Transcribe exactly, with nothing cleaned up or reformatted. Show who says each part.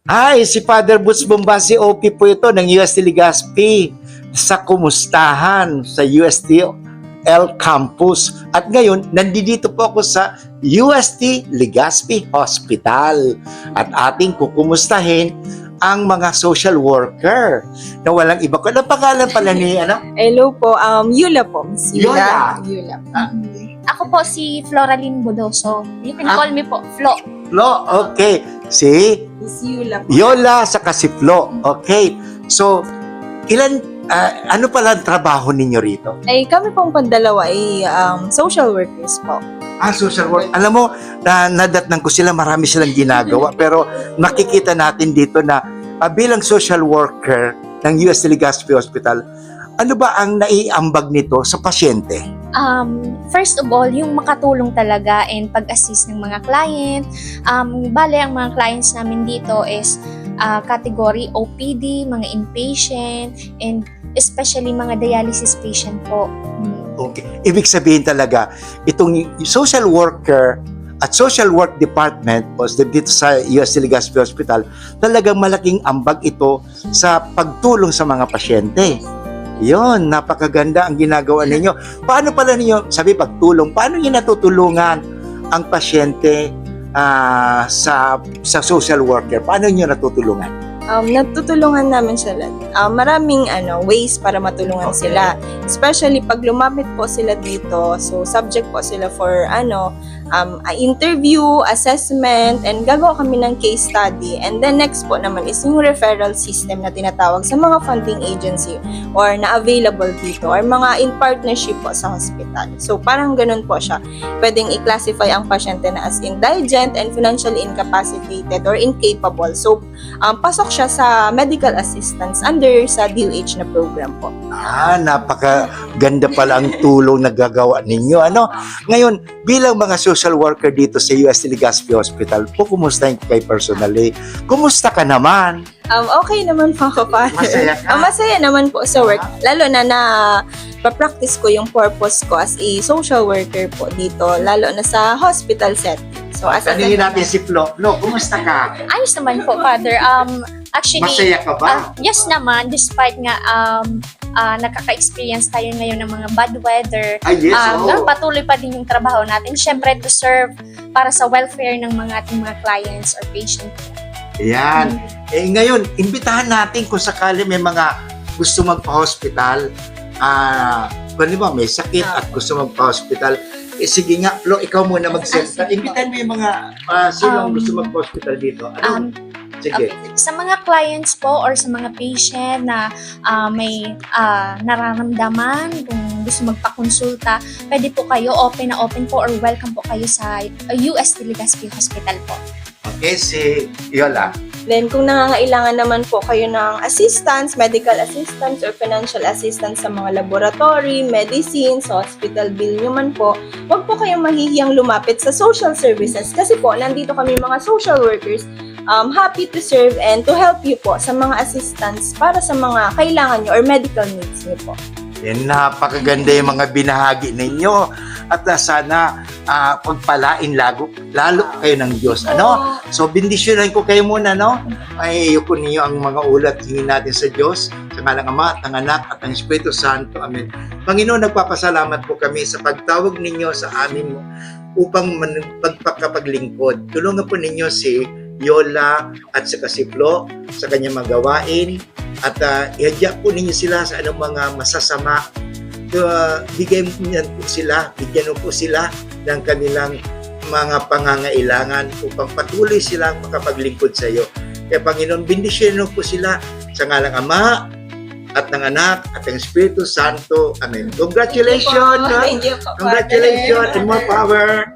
Speaker 1: Hi, si Father Boots Bombasi O P po ito ng U S T Legazpi sa kumustahan sa U S T L Campus. At ngayon, nandito po ako sa U S T Legazpi Hospital at ating kukumustahin ang mga social worker na walang iba ko. Anong pangalan pala ni ano?
Speaker 2: Hello po, um, Yula po. Miss
Speaker 1: Yula.
Speaker 2: Yula.
Speaker 1: Ah.
Speaker 3: Ako po si Floraline Bodoso. You can
Speaker 1: Ah.
Speaker 3: call me po Flo.
Speaker 1: Flo, okay. Si
Speaker 2: Miss Yula po.
Speaker 1: Yola sa si Flo. Okay. So, ilan, ah, ano pala ang trabaho ninyo rito?
Speaker 2: Ay, kami pong pandalawa ay um, social workers po.
Speaker 1: Ah, social work. Alam mo, na, nadatnan ko sila, marami silang ginagawa. Pero makikita natin dito na ah, bilang social worker ng U S T Legazpi Hospital, ano ba ang naiambag nito sa pasyente?
Speaker 3: Um, first of all, yung makatulong talaga and pag-assist ng mga client. Um, bale, ang mga clients namin dito is uh, category O P D, mga inpatient, and especially mga dialysis patient po. Hmm.
Speaker 1: Okay. Ibig sabihin talaga, itong social worker at social work department o dito sa U S T Legazpi Hospital, talagang malaking ambag ito sa pagtulong sa mga pasyente. Yon, napakaganda ang ginagawa ninyo. Paano pala ninyo, sabi pagtulong, paano niyo natutulungan ang pasyente ah, sa sa social worker? Paano niyo natutulungan?
Speaker 2: Um, natutulungan namin sila. Um, maraming ano, ways para matulungan
Speaker 1: Okay.
Speaker 2: sila. Especially pag lumapit po sila dito, so subject po sila for ano, um, a interview, assessment, and gagawa kami ng case study. And then next po naman is yung referral system na tinatawag sa mga funding agency or na available dito or mga in partnership po sa hospital. So parang ganun po siya. Pwedeng i-classify ang pasyente na as indigent and financially incapacitated or incapable. So um, pasok siya sa medical assistance under sa D O H na program po.
Speaker 1: Ah, napakaganda pala ang tulong na gagawa ninyo. Ano? Ngayon, bilang mga social worker dito sa U S T Legazpi Hospital, po, kumustahin ko kay personally. Kumusta ka naman?
Speaker 2: Um, okay naman po ako, Father.
Speaker 1: Masaya ka?
Speaker 2: Ah, masaya naman po sa work. Lalo na na pa-practice ko yung purpose ko as a social worker po dito, lalo na sa hospital setting. So, as a
Speaker 1: Tanungin natin si Flo. Flo, kumusta ka?
Speaker 3: Ayos naman po, Father. Um, actually,
Speaker 1: Masaya ka ba?
Speaker 3: ah, yes naman, despite nga um, ah, nakaka-experience tayo ngayon ng mga bad weather,
Speaker 1: Ay, yes,
Speaker 3: um,
Speaker 1: oo.
Speaker 3: patuloy pa din yung trabaho natin. Siyempre, to serve para sa welfare ng mga ating mga clients or patient.
Speaker 1: Ayan. Eh, ngayon, imbitahan natin kung sakali may mga gusto magpa-hospital, ah, kung di ba, may sakit at gusto magpa-hospital, eh, sige nga, Flo, ikaw muna mag-senta. Imbitahan mo yung mga uh, sinong
Speaker 3: Um,
Speaker 1: gusto magpa-hospital dito. Ano?
Speaker 3: Um,
Speaker 1: sige.
Speaker 3: Okay. Sa mga clients po or sa mga patient na ah, may ah, nararamdaman, kung gusto magpakonsulta, pwede po kayo, open na open po or welcome po kayo sa uh, U S T Legazpi Hospital po.
Speaker 1: Okay, si Yola.
Speaker 2: Then, kung nangangailangan naman po kayo ng assistance, medical assistance or financial assistance sa mga laboratory, medicines, hospital bill nyo man po, huwag po kayong mahihiyang lumapit sa social services kasi po, nandito kami mga social workers, um, happy to serve and to help you po sa mga assistance para sa mga kailangan nyo or medical needs nyo po.
Speaker 1: Yan, napakaganda yung mga binahagi ninyo. At uh, sana uh, pagpalain lago, lalo kayo ng Diyos. Ano? So, bendisyonan ko kayo muna, no? Ay, yuko ninyo ang mga ulat, hingin natin sa Diyos, sa ngalang Ama, at ng Anak, at ng Espiritu Santo. Amen. Panginoon, nagpapasalamat po kami sa pagtawag ninyo sa amin upang man- pagpakapaglingkod. Tulungan po ninyo si Yola at sa si Flo sa kanyang mga gawain at uh, ihadya po ninyo sila sa anong mga masasama. Uh, bigyan niyo po sila, bigyan po sila ng kanilang mga pangangailangan upang patuloy silang makapaglingkod sa iyo. Kaya Panginoon, bendisyonan po sila sa ngalang Ama at ng Anak at ng Espiritu Santo. Amen. Congratulations!
Speaker 2: Thank you po.
Speaker 1: Congratulations and more power!